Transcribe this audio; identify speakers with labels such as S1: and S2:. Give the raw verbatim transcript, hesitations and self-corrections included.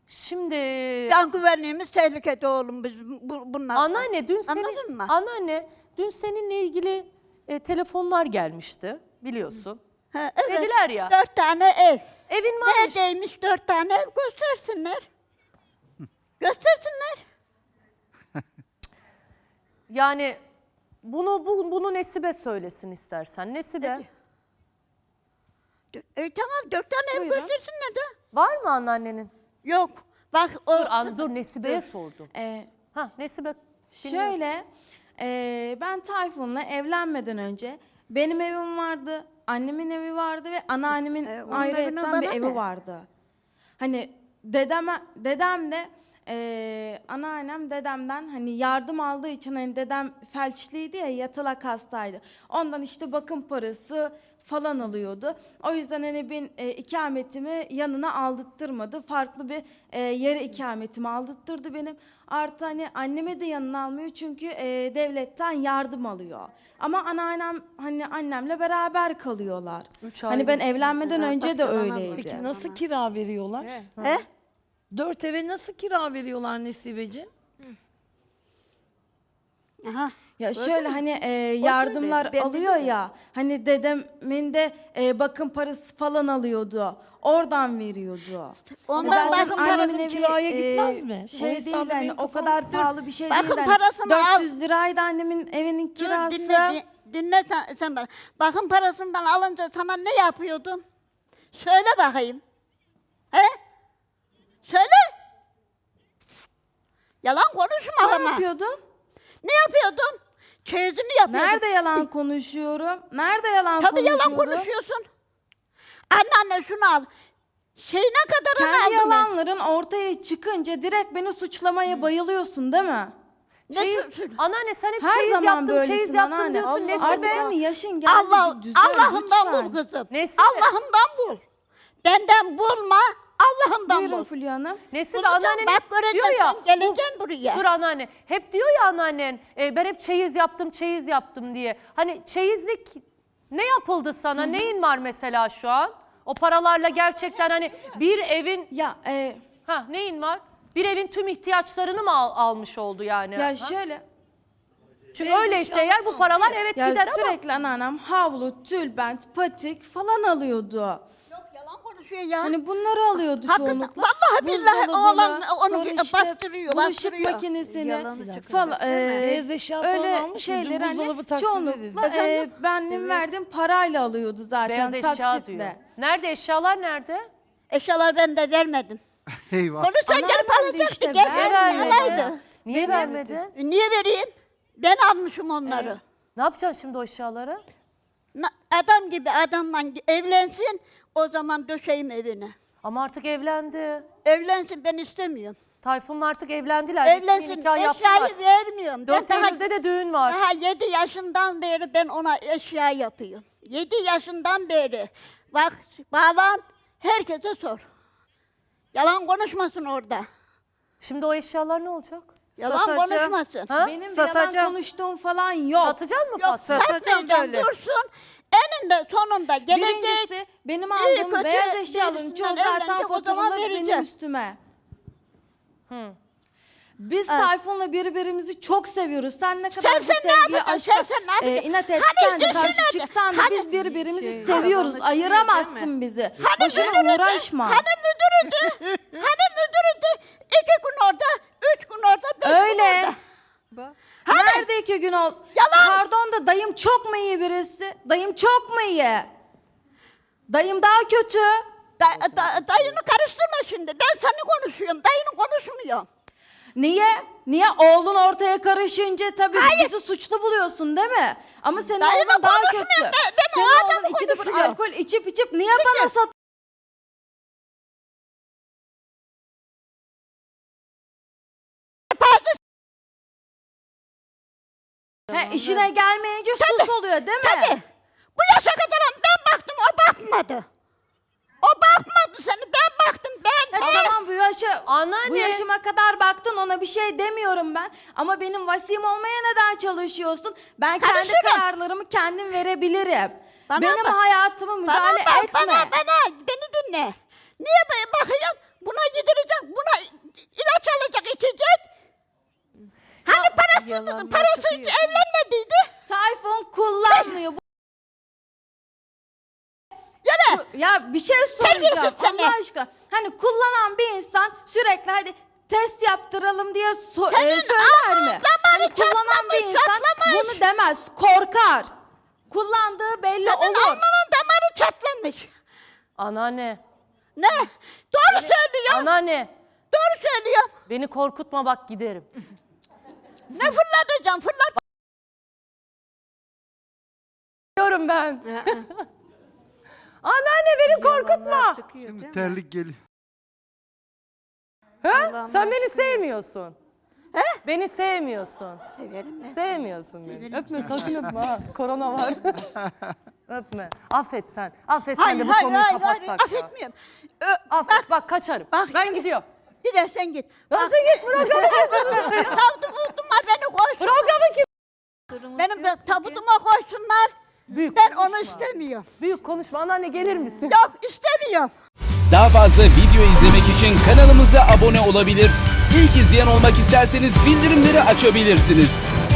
S1: Şimdi
S2: Can güvenliğimiz tehlikede oğlum biz bu, bunlar.
S1: anneanne dün senin
S2: Anladın mı?
S1: anneanne dün seninle ilgili e, telefonlar gelmişti biliyorsun.
S2: Ha, evet.
S1: Dediler ya.
S2: Dört tane ev.
S1: Evin varmış.
S2: Neredeymiş dört tane ev? Göstersinler. Göstersinler.
S1: Yani bunu bu, bunu Nesibe söylesin istersen. Nesibe.
S2: E, tamam dört tane ev
S3: Buyurun.
S2: göstersinler de.
S1: Var mı anneannenin?
S2: Yok. Bak o...
S1: Dur, an, dur Nesibe'ye sordum.
S3: Ee,
S1: Ha Nesibe.
S3: Şöyle, e, ben Tayfun'la evlenmeden önce benim evim vardı, annemin evi vardı ve anneannemin
S2: E, onun
S3: ayrıyetten
S2: evine
S3: bir
S2: bana
S3: evi
S2: ne?
S3: vardı. Hani dedeme, dedem de e, anneannem dedemden hani yardım aldığı için hani dedem felçliydi ya, yatalak hastaydı. Ondan işte bakım parası falan alıyordu. O yüzden hani ben e, ikametimi yanına aldırtmadı. Farklı bir e, yere ikametimi aldırttırdı benim. Artı hani anneme de yanına almıyor çünkü e, devletten yardım alıyor. Ama anneannem hani annemle beraber kalıyorlar.
S1: Üç
S3: Hani
S1: ayrı
S3: ben
S1: bir-
S3: evlenmeden önce de
S2: Başkalarına
S3: öyleydi.
S4: Peki nasıl kira veriyorlar?
S2: He?
S4: Dört eve nasıl kira veriyorlar Nesibeciğim?
S2: Aha.
S3: Ya şöyle hani e, yardımlar
S2: Ben
S3: alıyor
S2: biliyorum.
S3: ya, hani dedemin de e, bakım parası falan alıyordu. Oradan veriyordu.
S2: Ondan
S3: Zaten
S2: bakın
S3: annemin
S4: parası
S3: evi,
S4: kiraya gitmez mi? O
S3: Şey
S4: hesabı
S3: değil hani
S4: benim
S3: o
S4: kafam-
S3: kadar pahalı bir şey
S2: Bakın
S3: değil. Hani
S2: parasını al.
S3: dört yüz liraydı annemin evinin kirası.
S2: Dur, dinle, din- dinle sen, sen bana. Bakın parasından alınca sana ne yapıyordum? Söyle bakayım. He? Söyle. Yalan konuşma
S3: Ne
S2: ama.
S3: yapıyordun?
S2: Ne yapıyordum? Çeyizini yapıyordum.
S3: Nerede yalan konuşuyorum? Nerede yalan
S2: Tabii yalan
S3: konuşuyordum?
S2: konuşuyorsun. Anneanne şunu al. Şeyine kadarını
S3: Kendi
S2: aldın.
S3: yalanların ortaya çıkınca direkt beni suçlamaya bayılıyorsun değil mi?
S2: Ne
S1: Çeyiz,
S2: suçu?
S1: anneanne sen hep
S3: Her
S1: çeyiz
S3: zaman
S1: yaptım,
S3: böylesin
S1: çeyiz yaptım
S3: anneanne.
S1: diyorsun Nesibe.
S3: Artık hani yaşın geldi,
S2: Allah,
S3: bir düzen
S2: Allah'ından
S3: lütfen.
S2: bul kızım.
S1: Nesibe.
S2: Allah'ından bul. Benden bulma, Allah'ından
S3: Buyurun
S2: bul.
S3: Fulya Hanım.
S1: Nesibe
S2: Bulacağım,
S1: anneannen
S2: bak
S1: hep diyor
S2: göreceksin,
S1: ya.
S2: geleceksin buraya.
S1: Dur anneanne. Hep diyor ya anneannen e, ben hep çeyiz yaptım, çeyiz yaptım diye. Hani çeyizlik ne yapıldı sana? Neyin var mesela şu an? O paralarla gerçekten hani bir evin
S3: Ya e,
S1: ha neyin var? Bir evin tüm ihtiyaçlarını mı al- almış oldu yani?
S3: ya
S1: Ha?
S3: şöyle
S1: Çünkü
S4: Beyaz
S1: öyleyse
S4: eşya
S1: eğer bu
S4: mı?
S1: paralar evet
S3: ya
S1: gider ama
S3: sürekli anneannem havlu, tülbent, patik falan alıyordu.
S2: Yok yalan konuşuyor ya.
S3: Hani bunları alıyordu
S2: Hakikaten,
S3: çoğunlukla.
S2: vallahi billahi
S3: Buzdolabını,
S2: oğlan onu
S3: sonra
S2: bir
S3: işte
S2: bastırıyor,
S3: bulaşık
S2: bastırıyor.
S3: makinesini
S2: Yalanı çıkacak,
S3: falan. e,
S4: Beyaz eşya falan
S3: öyle
S4: almış mı? Dün
S3: şeyleri hani
S4: buzdolabı taksidi
S3: çoğunlukla
S4: dedi.
S3: e, benim verdiğim parayla alıyordu zaten
S1: beyaz eşya
S3: taksitle.
S1: diyor. Nerede eşyalar nerede?
S2: Eşyalar ben de vermedim.
S5: Eyvah.
S2: Onu sen
S3: Anneannem
S2: gelip
S3: de
S2: alacaktı.
S3: işte
S2: Gel
S3: vermedi.
S2: vermedi. alaydı.
S1: Niye
S3: Benim-
S1: vermedin?
S2: E, Niye vereyim? Ben almışım onları.
S1: Ne yapacaksın şimdi o eşyaları?
S2: Na- Adam gibi adamla evlensin, o zaman döşeyim evine.
S1: Ama artık evlendi.
S2: Evlensin, ben istemiyorum.
S1: Tayfun'la artık evlendiler. Resmi
S2: Evlensin,
S1: nikah yaptılar.
S2: eşyayı vermiyorum. Ben
S1: dört
S2: daha,
S1: Eylül'de de düğün var.
S2: daha yedi yaşından beri ben ona eşya yapıyorum. Yedi yaşından beri. Bak, bağlan, herkese sor. Yalan konuşmasın orada.
S1: Şimdi o eşyalar ne olacak?
S2: Yalan
S6: Satacağım.
S2: konuşmasın.
S1: Ha?
S3: Benim bir yalan
S6: Satacağım.
S3: konuştuğum falan yok.
S1: Satacaksın mı
S2: Yok,
S1: Fatma?
S6: satacağım
S2: satmayacağım,
S6: böyle.
S2: dursun. Eninde sonunda gelecek.
S3: Birincisi benim
S2: iyi
S3: aldığım
S2: kötü
S3: beyaz eşyaların çoğu
S2: birisinden
S3: zaten
S2: evlenecek, o zaman
S3: faturaları benim
S2: vereceğim.
S3: üstüme. Biz Tayfun'la birbirimizi çok seviyoruz. Sen ne kadar
S2: Sen-
S3: bu
S2: sen ne
S3: sevgiye,
S2: yapacaksın?
S3: aşka
S2: Sen ne yapacaksın?
S3: e, inat
S2: Hani
S3: etsen de
S2: işin
S3: karşı
S2: nerede?
S3: çıksan da
S2: Hani-
S3: biz birbirimizi
S6: Şey,
S3: seviyoruz.
S6: arabanın içinde
S3: Ayıramazsın bizi. Boşuna
S2: müdürüydü?
S3: uğraşma.
S2: Hani müdürüydü? Hani müdürüydü? İki gün orada, üç gün orada, beş gün
S3: Öyle.
S2: orada.
S3: Nerede iki gün oldu?
S2: Yalan.
S3: Pardon da dayım çok mu iyi birisi? Dayım çok mu iyi? Dayım daha kötü.
S2: Da, da, dayını karıştırma şimdi. Ben seni konuşuyorum, dayını konuşmuyorum.
S3: Niye? Niye? Oğlun ortaya karışınca tabii bizi suçlu buluyorsun değil mi? Ama senin
S2: Dayını
S3: oğlun daha kötü.
S2: konuşmuyorum, ben- ben o
S3: Senin
S2: adamı
S3: oğlun iki de bir
S2: konuşuyorum.
S3: alkol içip içip niye bana sat? He, işine gelmeyince sus oluyor değil mi?
S2: Tabii. Bu yaşa kadar ben baktım, o bakmadı. O bakmadı seni, ben baktım, ben.
S3: He, tamam bu yaşa,
S1: Anneanne.
S3: bu yaşıma kadar baktın, ona bir şey demiyorum ben. Ama benim vasim olmaya neden çalışıyorsun? Ben kendi
S2: Karışırım.
S3: kararlarımı kendim verebilirim.
S2: Bana
S3: benim
S2: bak.
S3: hayatıma müdahale
S2: bana bak,
S3: etme.
S2: Bana, bana, beni dinle. Niye böyle bakıyorsun? Buna yedireceğim, buna Tayfun'un parası hiç evlenmediydi.
S3: Tayfun kullanmıyor. Bu-
S2: Yine.
S3: Ya bir şey soracağım
S2: Terbiyesiz seni.
S3: Allah aşkına. Hani kullanan bir insan sürekli hadi test yaptıralım diye so-
S2: Senin
S3: e, söyler mi?
S2: ağzın damarı
S3: Hani kullanan bir
S2: çatlamış,
S3: insan
S2: çatlamış.
S3: bunu demez, korkar. Kullandığı belli
S2: Senin
S3: olur.
S2: alnının damarı çatlamış.
S1: Anneanne.
S2: Ne? Doğru söylüyor.
S1: Anneanne.
S2: Doğru söylüyor.
S1: Beni korkutma bak giderim.
S2: Ne fırlatacağım? Fırlat.
S1: Diyorum ben. Anneanne beni korkutma.
S5: Şimdi terlik geliyor.
S1: Ha? Sen beni sevmiyorsun.
S2: He?
S1: Beni sevmiyorsun.
S2: Severim ben.
S1: Sevmiyorsun beni.
S2: Severim
S1: Öpme sakın öpme ha. Korona var. Öpme. Affet sen. Affet sen
S2: Hayır,
S1: de bu
S2: hayır,
S1: konuyu
S2: hayır, hayır.
S1: kapatsak ya.
S2: Affetmiyorum. Ö,
S1: Affet bak, kaçarım.
S2: bak.
S1: Ben gidiyorum.
S2: Gidersen git.
S1: Nasıl git programı?
S2: Tabutu buldum ha beni koysun.
S1: Programı kim?
S2: Benim de tabutuma koysunlar.
S1: Büyük
S2: Ben
S1: konuşma.
S2: onu istemiyorum.
S1: Büyük konuşma. Anneanne gelir misin?
S2: Yok istemiyorum.
S6: Daha fazla video izlemek için kanalımıza abone olabilir. İlk izleyen olmak isterseniz bildirimleri açabilirsiniz.